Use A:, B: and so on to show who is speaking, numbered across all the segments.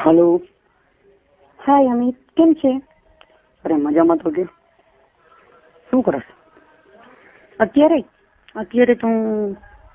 A: Hello.
B: હાય અમિત, કેમ છે?
A: અરે મજામાં તો કે શું કરે?
B: અત્યારે તો હું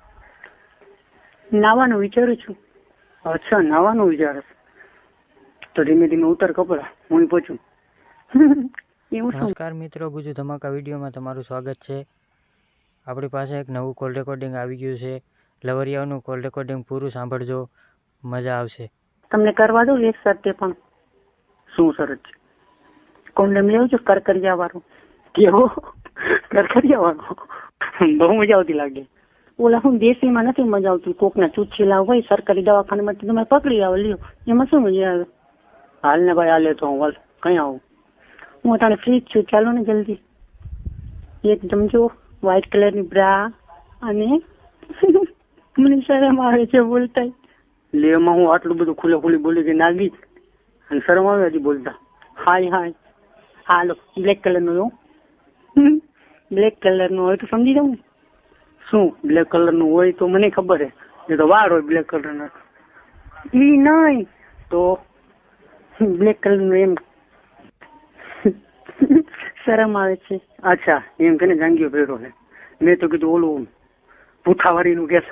B: નાવાનું વિચારું છું.
A: અચ્છા, નાવાનું વિચાર તો ધીમે ધીમે ઉતર કપડા, હું પહોંચું.
B: એવું શું?
C: નમસ્કાર મિત્રો, ગુજુ ધમાકા વિડીયોમાં તમારું સ્વાગત છે. આપણી પાસે એક નવું કોલ રેકોર્ડિંગ આવી ગયું છે. લવરિયાનું કોલ રેકોર્ડિંગ પૂરું સાંભળજો, મજા આવશે.
B: તમને કરવા દો એક સાથે પણ.
A: શું શરત છે?
B: કોન્ડમ લેવું છું કરકરિયા વાળો.
A: કેવો કરકરિયા વાળો? બહુ મજા આવતી લાગે.
B: ઓલા હું દેશીમાં નથી મજા આવતી, કોકના ચૂચીલા હોય સરકારી દવાખાનામાં તમે પકડી આવો, લ્યો એમાં શું મજા આવે?
A: હાલ ને ભાઈ, હાલે તો હું કઈ આવું?
B: હું અત્યારે ફ્રી જ છું, ચાલો ને જલ્દી. એકદમ જો વ્હાઈટ કલરની બ્રા અને મને શરમ આવે છે બોલતા.
A: લેવામાં હું આટલું બધું ખુલ્લે ખુલ્લી બોલી કે નાગી અને શરમ આવે હજી બોલતા.
B: હાય હાલો બ્લેક કલરનો બ્લેક કલરનો હોય તો સમજી જાઉં.
A: શું બ્લેક કલર નું હોય તો મને ખબર હે, એ તો વાર હોય બ્લેક કલર ના.
B: ઈ નહીં તો બ્લેક કલર નું એમ શરમ આવે છે.
A: અચ્છા, એમ કે જાંગીઓ પહેરો છે. મેં તો કીધું ઓલું પૂઠાવાળી નું કે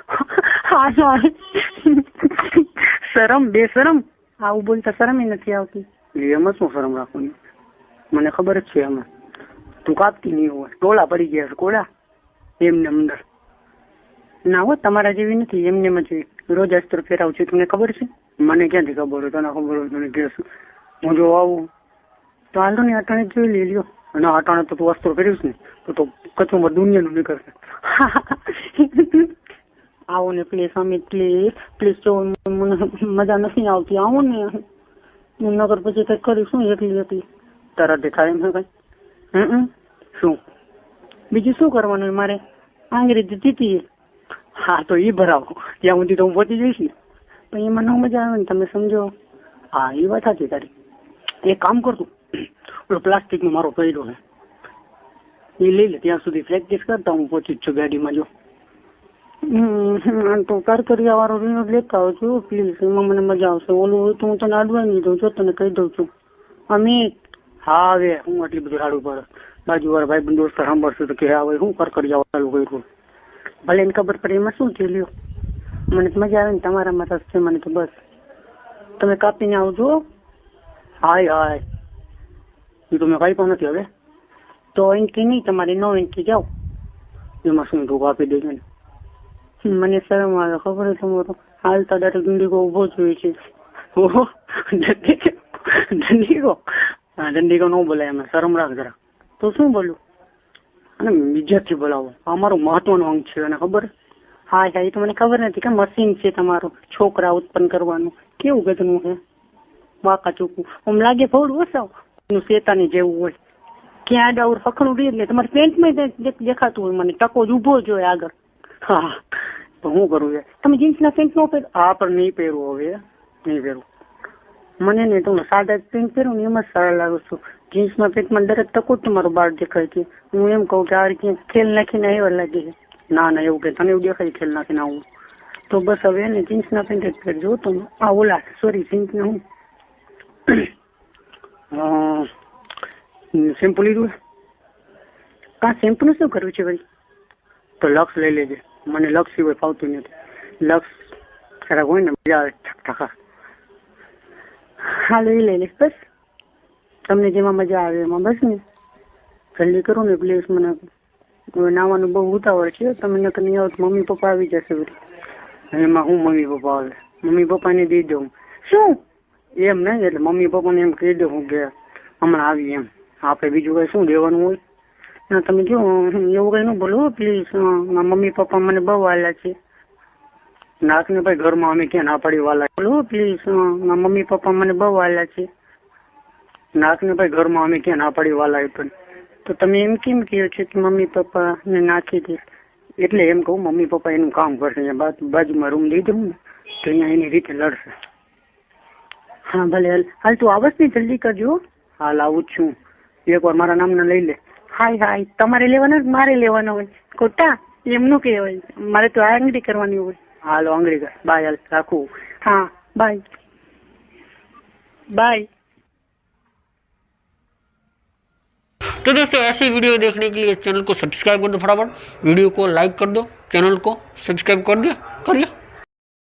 B: શરમ બે શરમ આવું બોલતા શરમ નથી આવતી.
A: એમાં શું શરમ રાખવાની? મને ખબર જ છે. એમાં તું કાપતી નહીં હોય, ટોળા પડી ગયા છે કોળા એમને અંદર.
B: ના હો, તમારા જેવી નથી, એમને જ રોજ અસ્ત્ર ફેરાવું છું, તમને ખબર છે?
A: મને ક્યાંથી ખબર હોય? તને ખબર હોય તને કહેશું. હું જો આવું
B: તો હાલો ને અટાણે જોઈ લઈ લ્યો.
A: અને અટાણે તો તું અસ્ત્રો ફેરવીશ ને તો કચુંબર દુનિયાનું નીકળશે.
B: આવો ને પ્લીઝ અમિત, પ્લીઝ જો મને મજા નથી આવતી, આવો ને. હું નગર પછી કઈ કરીશું એકલી.
A: તારા દેખાય એમ છે કઈ? શું
B: બીજું શું કરવાનું હોય મારે? આંગળી દીધી.
A: હા તો ઈ ભરાવો, ત્યાં સુધી તો હું પહોંચી જઈશ ને.
B: પણ એમાં ન મજા આવે ને, તમે સમજો.
A: હા એ વાત સાચી તારી. એક કામ કરતું, ઓલો પ્લાસ્ટિક નો મારો પડ્યો છે એ લઈ લે, ત્યાં સુધી પ્રેક્ટિસ કરતા હું પહોંચી જ છું ગાડીમાં. જો
B: તો કરકરિયા વાળો રીનો લેતા આવજો પ્લીઝ, એમાં મને મજા આવશે. ઓલું હોય તો હું તને અડવાઈ નહીં દઉં, જો તને કહી દઉં છું. અમિત.
A: હા હવે હું આટલી બધું સારું પડે. બાજુ વાળા ભાઈ બંધ દોસ્ત સાંભળશે તો કે હવે હું કરકરિયા વાળું કર્યું.
B: ભલે એને ખબર પડે, એમાં શું છે લ્યો. મને તો મજા આવે ને, તમારામાં રસ છે મને તો. બસ તમે કાપીને આવજો.
A: હાય એ તો મેં કઈ પણ નથી. હવે
B: તો એન્ટ્રી નહીં તમારે, 9 એન્ટ્રી જાઓ.
A: એમાં શું તું કાપી દેજો ને?
B: મને શરમ આવે, ખબર છે તમારો હાલતા ડાયરેક્ટ દંડીકો ઉભો જ હોય છે.
A: ઓહો, દંડીકો? હા, દંડીકો ન બોલાય, એમાં શરમ રાખ જરા.
B: તો શું બોલું?
A: અને બીજાથી બોલાવો, અમારું મહત્વનું અંગ છે, અને ખબર?
B: હા એ તો મને ખબર નથી કે મશીન છે તમારું છોકરા ઉત્પન્ન કરવાનું. કેવું ગધનું છે, વાંકા ચૂકવું. આમ લાગે ભોળું ઓછાવ શેતાની જેવું હોય. ક્યાં આડાવર ફખણું રહી એટલે તમારે પેન્ટમાં દેખાતું હોય મને. ટકો જ ઉભો જ હોય આગળ.
A: હા તો શું કરું યાર?
B: તમે જીન્સના પેન્ટ નો પહેરો?
A: હા પણ નહીં પહેરવું, હવે નહીં પહેરવું.
B: મને નહીં, તમે સાદા પેન્ટ પહેરો ને એમ જ સારા લાગુ છું. જીન્સના પેન્ટમાં દરેક ટકો જ તમારો બાર દેખાય છે. હું એમ કહું કે આ રીતે ખેલ નાખીને એવા લાગે છે.
A: ના એવું કે તને એવું દેખાય ખેલ નાખીને આવું?
B: તો બસ હવે એને જીન્સના પેન્ટ જ પહેરજો તમે. આ ઓલા સોરી જીન્સના હું
A: શેમ્પુ લીધું?
B: શેમ્પુ નું શું કરવું છે ભાઈ?
A: તો લક્સ લઈ લેજે. મને લક્સ સિવાય ફાવતું નથી. લક્સ ખરાબ હોય ને, મજા આવે ઠકા.
B: હા લઈ લઈશ બસ, તમને જેમાં મજા આવે એમાં. બસ ને જલ્દી કરો ને પ્લીઝ. મને નાવાનું બહુ ઉતાવળ છે. તમે નહીં આવો તો મમ્મી પપ્પા આવી જશે.
A: એમાં હું મમ્મી પપ્પા આવે? મમ્મી પપ્પાને દઈ દઉં.
B: શું
A: એમ નહીં, એટલે મમ્મી પપ્પાને એમ કહી દઉં કે હમણાં આવી એમ. આપણે બીજું કઈ શું દેવાનું હોય?
B: ના તમે જો એવું કઈ ન બોલો પ્લીઝ. મમ્મી પપ્પા મને બહુ વાલા છે.
A: નાક ને ભાઈ ઘરમાં અમે ક્યાં ના પાડી વાલા?
B: બોલો પ્લીઝ. મમ્મી પપ્પા મને બહુ વાલા છે.
A: નાક ને ભાઈ ઘરમાં અમે ક્યાં ના પાડી વાલા? પણ
B: તો તમે એમ કેમ કહો છો કે મમ્મી પપ્પા ને નાખી દે?
A: એટલે એમ કહું મમ્મી પપ્પા એનું કામ કરશે. બાજુમાં રૂમ દઈ દઉં ને તો અહીંયા એની રીતે લડશે.
B: હા ભલે હાલ તું આવસ ને જલ્દી કરજો.
A: હાલ આવું જ છું. એકવાર મારા નામના લઈ લે.
B: હાય તમારે લેવાનો મારે લેવાનો હોય? ખોટા એમનું કહેવાય. મારે તો આંગળી કરવાની હોય.
A: હાલો આંગળી કર. બાય, હાલ રાખું.
B: હા બાય. बाय।
A: तो दोस्तों ऐसे वीडियो देखने के लिए चैनल को सब्सक्राइब कर दो, फटाफट वीडियो को लाइक कर दो, चैनल को सब्सक्राइब कर दिया करिए।